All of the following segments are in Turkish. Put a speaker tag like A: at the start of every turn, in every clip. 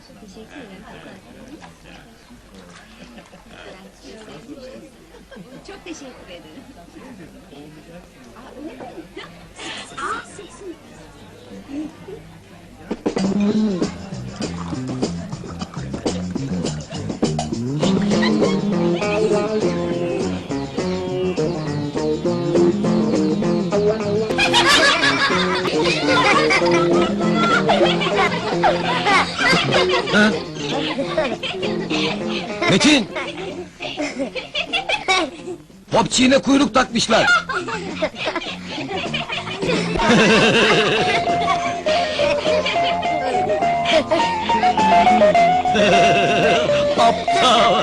A: Teşekkür ederim. Çok teşekkür ederim.
B: Metin! Popçiğine kuyruk takmışlar! Aptal!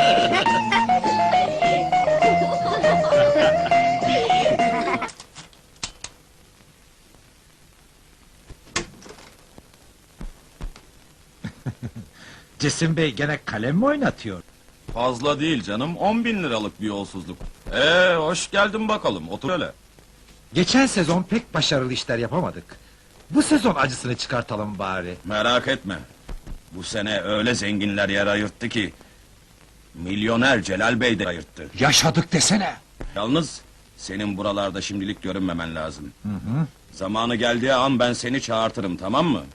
C: Cesim Bey gene kalem mi oynatıyor?
D: Fazla değil canım, 10.000 liralık bir yolsuzluk. Hoş geldin bakalım, otur öyle.
C: Geçen sezon pek başarılı işler yapamadık. Bu sezon acısını çıkartalım bari.
D: Merak etme. Bu sene öyle zenginler yer ayırttı ki... ...milyoner Celal Bey de ayırttı.
C: Yaşadık desene!
D: Yalnız, senin buralarda şimdilik görünmemen lazım. Zamanı geldiği an ben seni çağırtırım, tamam mı?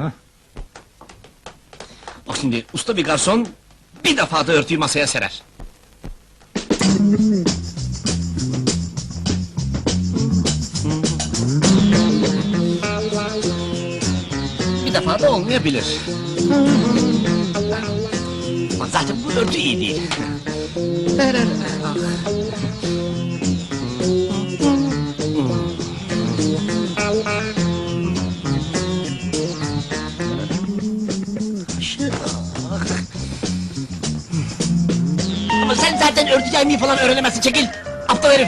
B: Bak şimdi, usta bir garson... ...bir defa da örtüyü masaya serer. Bir defa da olmayabilir. Ama zaten bu örtü iyi değil. Ama sen zaten örtü yaymayı falan öğrenemezsin, çekil! Aptal herif!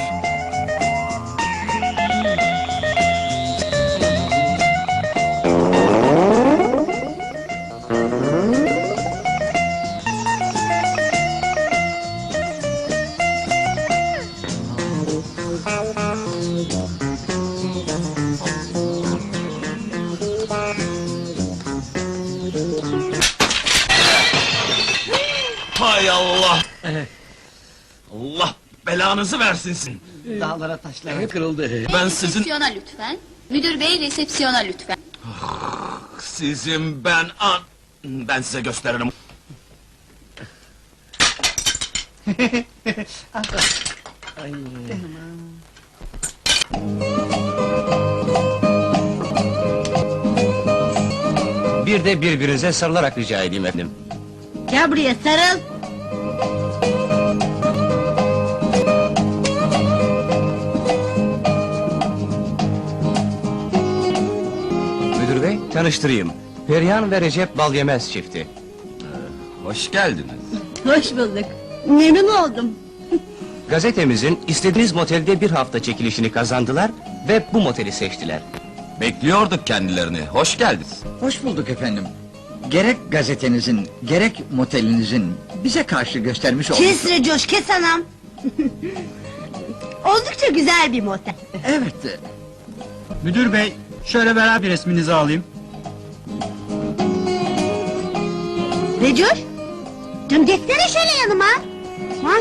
D: Hay Allah! Allah belanızı versin sizin!
B: Dağlara taşlara kırıldı.
D: Ben sizin...
A: Resepsiyona lütfen. Müdür bey resepsiyona lütfen.
D: Sizin ben size gösteririm.
B: Bir de birbirinize sarılarak rica edeyim efendim.
A: Gel buraya sarıl.
B: Müdür bey, tanıştırayım. Perihan ve Recep Balyemez çifti.
D: Hoş geldiniz.
A: Hoş bulduk. Memnun oldum.
B: Gazetemizin istediğiniz motelde bir hafta çekilişini kazandılar ve bu moteli seçtiler.
D: Bekliyorduk kendilerini, hoş geldiniz.
E: Hoş bulduk efendim. Gerek gazetenizin, gerek motelinizin bize karşı göstermiş olduğu...
F: Kes Recoş, kes anam! Oldukça güzel bir motel.
E: Evet,
G: Müdür bey, şöyle beraber resminizi alayım.
F: Recoş! Canım geçsene şöyle yanıma! Ha?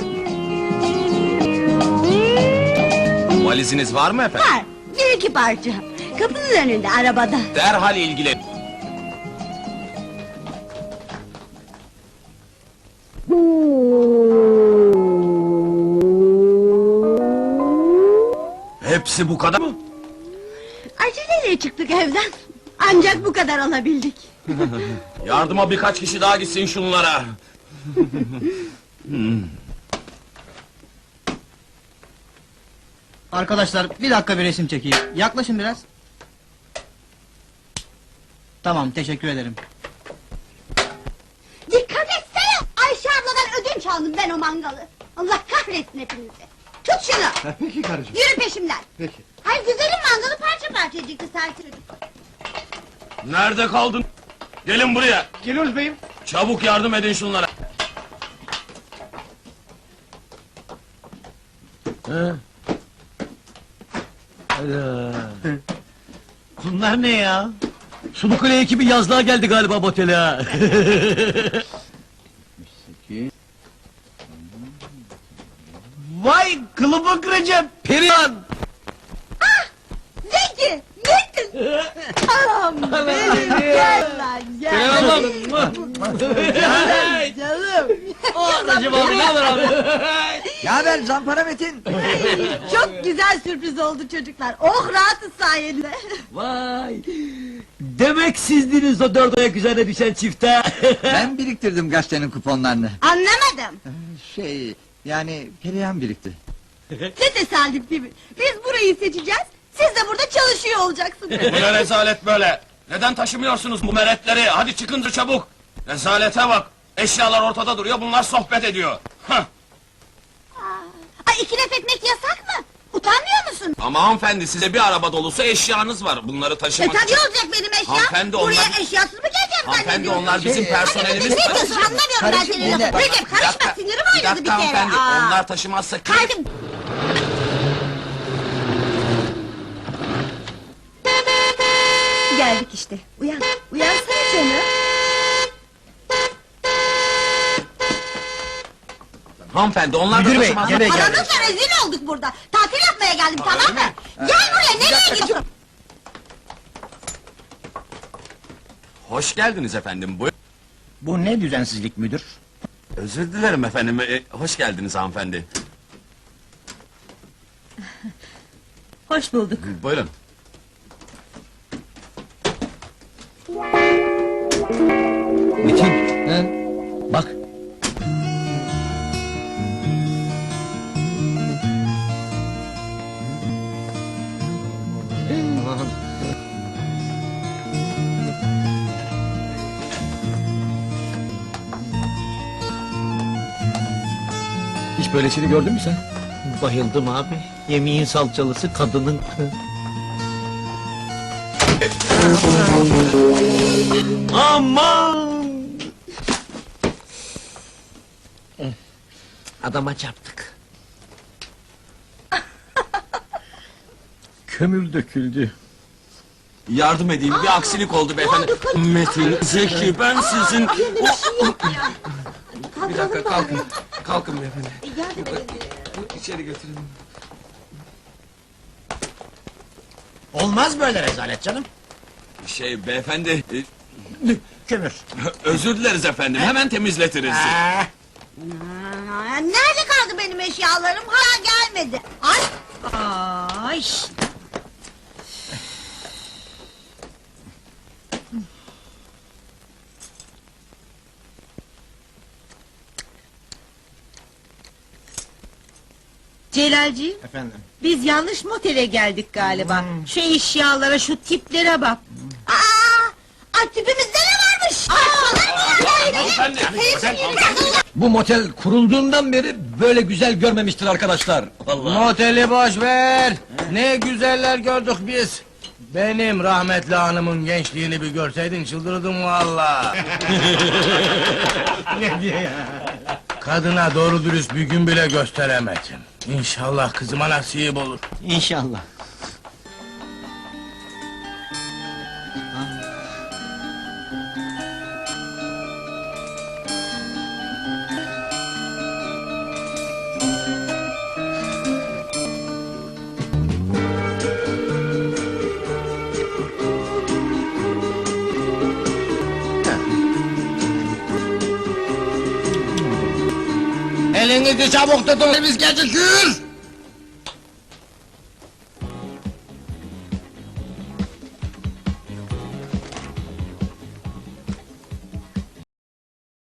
D: Valiziniz var mı efendim?
F: Var, bir iki parça. Kapının önünde, arabada.
D: Derhal ilgilen. Hepsi bu kadar mı?
F: Aceleyle çıktık evden. Ancak bu kadar alabildik.
D: Yardıma birkaç kişi daha gitsin şunlara.
G: Arkadaşlar, bir dakika bir resim çekeyim. Yaklaşın biraz. Tamam, teşekkür ederim.
F: Dikkat etsene! Ayşe abladan ödünç aldım ben o mangalı. Allah kahretsin hepinizi. Tut şunu!
E: peki karıcığım,
F: Yürü peşimden!
E: peki.
F: Hay güzelim mangalı parça parça edecekti sanki çocuk.
D: Nerede kaldın? Gelin buraya.
E: Geliyoruz beyim.
D: Çabuk yardım edin şunlara.
C: Bunlar ne ya?
H: Sulukule ekibi yazlığa geldi galiba motele ha. Vay kılıbık Recep, Perihan!
F: Zeki! Nesin? Anam benim, gel lan gel.
H: Perihan ablam!
F: Canım.
H: Recep abi ne haber abi?
E: Ne haber Zampara Metin?
F: Çok güzel sürpriz oldu çocuklar. Oh rahatız sayende.
H: Vay! Demek sizdiniz o dört ayak üzerine düşen çifte.
E: Ben biriktirdim gazetenin kuponlarını.
F: Anlamadım.
E: Yani Perihan birikti.
F: Ne tesadüf değil mi? Biz burayı seçeceğiz. Siz de burada çalışıyor olacaksınız.
D: Bu ne rezalet böyle? Neden taşımıyorsunuz bu meretleri? Hadi çıkın çabuk! Rezalete bak! Eşyalar ortada duruyor, bunlar sohbet ediyor. Hah!
F: Ay iki laf etmek yasak mı? Utanmıyor musun?
D: Ama hanımefendi, size bir araba dolusu eşyanız var. Bunları taşımak
F: Tabii olacak benim eşya.
D: Hanımefendi,
F: Buraya
D: onlar-
F: eşyasız mı geleceğim
D: Hanımefendi,
F: zannediyorsun?
D: onlar bizim personelimiz.
F: Ne diyorsun anlamıyorum ben
E: Karışım,
F: senin lafını.
E: dinle.
F: Recep karışma sinirim oynadı bir kere.
D: hanımefendi,
F: Aa.
D: onlar taşımazsa...
F: Kaldım. Geldik işte. Uyan. Uyansana canım.
D: Hanımefendi, onlar da
H: Müdür bey,
D: taşımazsa...
H: gene geldi.
F: Aranızla rezil olduk burada. Tatil yapmaya geldim tamam mı? Gel buraya nereye gidiyorsun?
D: Hoş geldiniz efendim, buyurun.
H: Bu ne düzensizlik müdür?
D: Özür dilerim efendim, hoş geldiniz hanımefendi.
A: Hoş bulduk.
D: Buyurun.
H: Metin, bak. Hiç böylesini gördün mü sen? Bayıldım abi. Yemeğin salçalısı kadının. Aman! Adama çarptık. Kömür döküldü.
D: Yardım edeyim, bir aksilik oldu beyefendi. Metin, Zeki, ben sizin... Bir dakika, kalkın. Kalkın beyefendi. İçeri götürün.
H: Olmaz böyle rezalet canım.
D: Beyefendi...
H: Kömür.
D: Özür dileriz efendim, hemen temizletiriz.
F: Aa, nerede kaldı benim eşyalarım? Hala gelmedi. Ay. Ay.
A: Celalciğim,
H: Efendim.
A: biz yanlış motele geldik galiba. Şu eşyalara, şu tiplere bak.
F: Ay tipimizde ne varmış?
H: Bu motel kurulduğundan beri böyle güzel görmemiştir arkadaşlar.
I: Moteli boş ver. Ne güzeller gördük biz. Benim rahmetli hanımın gençliğini bir görseydin çıldırdım valla. Ne diye ya? Kadına doğru dürüst bir gün bile gösteremedim. İnşallah kızıma nasip olur.
H: İnşallah.
I: Elinizi çabuk tutun biz gecikir.